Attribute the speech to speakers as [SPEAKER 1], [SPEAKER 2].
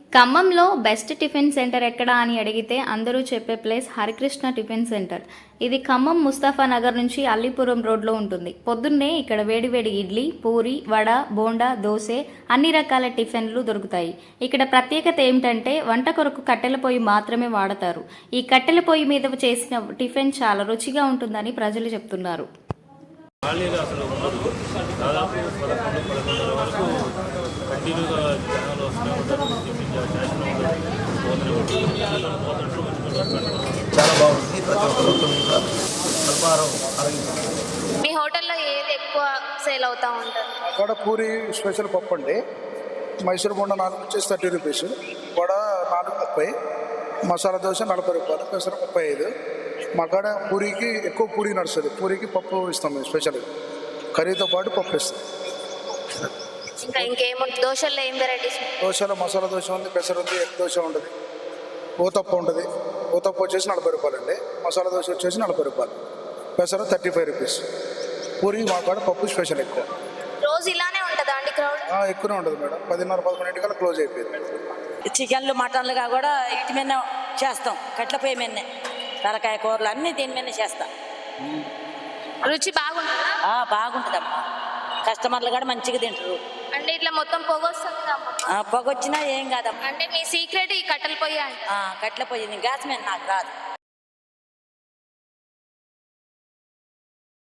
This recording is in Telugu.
[SPEAKER 1] ఖమ్మంలో బెస్ట్ టిఫిన్ సెంటర్ ఎక్కడా అని అడిగితే అందరూ చెప్పే ప్లేస్ హరికృష్ణ టిఫిన్ సెంటర్. ఇది ఖమ్మం ముస్తాఫా నగర్ నుంచి అల్లీపురం రోడ్లో ఉంటుంది. పొద్దున్నే ఇక్కడ వేడివేడి ఇడ్లీ, పూరి, వడ, బోండా, దోశ అన్ని రకాల టిఫిన్లు దొరుకుతాయి. ఇక్కడ ప్రత్యేకత ఏమిటంటే వంట కొరకు కట్టెల పొయ్యి మాత్రమే వాడతారు. ఈ కట్టెల పొయ్యి మీద చేసిన టిఫిన్ చాలా రుచిగా ఉంటుందని ప్రజలు చెప్తున్నారు.
[SPEAKER 2] ఖాళీగా అసలు ఉండదు. దాదాపు 11-11:30 వరకు కంటిన్యూగా జనాలు వస్తూనే ఉంటారు. టిఫిన్ చేస్తూనే ఉంటారు.
[SPEAKER 3] చాలా బాగుంది. ప్రతి ఒక్కరు తొమ్మిది అల్పాహారం ఆరోగ్యం.
[SPEAKER 4] మీ హోటల్లో ఏది ఎక్కువ సేల్ అవుతూ ఉంటుంది?
[SPEAKER 5] వడ పూరి స్పెషల్ పప్పు అండి. మైసూర్ బొండ 4 వచ్చేసి 30 రూపీస్, వడ 4 30, మసాలా దోశ 40 రూపాయలు, పెసర 35. మా కాడ పూరికి ఎక్కువ పూరి నడుస్తుంది. పూరికి పప్పు ఇస్తాం మేము స్పెషల్, కర్రీతో పాటు పప్పు ఇస్తాం.
[SPEAKER 4] ఇంకా ఇంకేముంటుంది దోశల్లో? ఏం వెరైటీస్?
[SPEAKER 5] దోశలో మసాలా దోశ ఉంది, పెసర ఉంది, ఎగ్ దోశ ఉంటుంది, ఊతప్ప ఉంటుంది. ఊతప్ప వచ్చేసి 40 రూపాయలు అండి, మసాలా దోశ వచ్చేసి 40 రూపాయలు, పెసర 35 రూపీస్. పూరి మా కాడ పప్పు స్పెషల్ ఎక్కువ.
[SPEAKER 4] రోజు ఇలానే ఉంటుందా అండి క్రౌడ్?
[SPEAKER 5] ఎక్కువనే ఉంటుంది మేడం. 10:30-11 క్లోజ్ అయిపోయింది.
[SPEAKER 6] చికెన్లు మటన్లుగా కూడా వీటి మీద చేస్తాం. కట్ల పొయ్యి మీదనే తలకాయ కూరలు అన్నీ దీని మీదనే చేస్తాం.
[SPEAKER 4] రుచి బాగుంటుందా?
[SPEAKER 6] బాగుంటుందమ్మా. కస్టమర్లు కూడా మంచిగా తింటారు.
[SPEAKER 4] అంటే ఇట్లా మొత్తం పొగ వస్తుంది
[SPEAKER 6] పొగ వచ్చినా ఏం కాదమ్మా.
[SPEAKER 4] అంటే మీ సీక్రెట్ ఈ కట్టెల పొయ్యి అంటే?
[SPEAKER 6] కట్ల పొయ్యి గ్యాస్ మీద నాకు రాదు.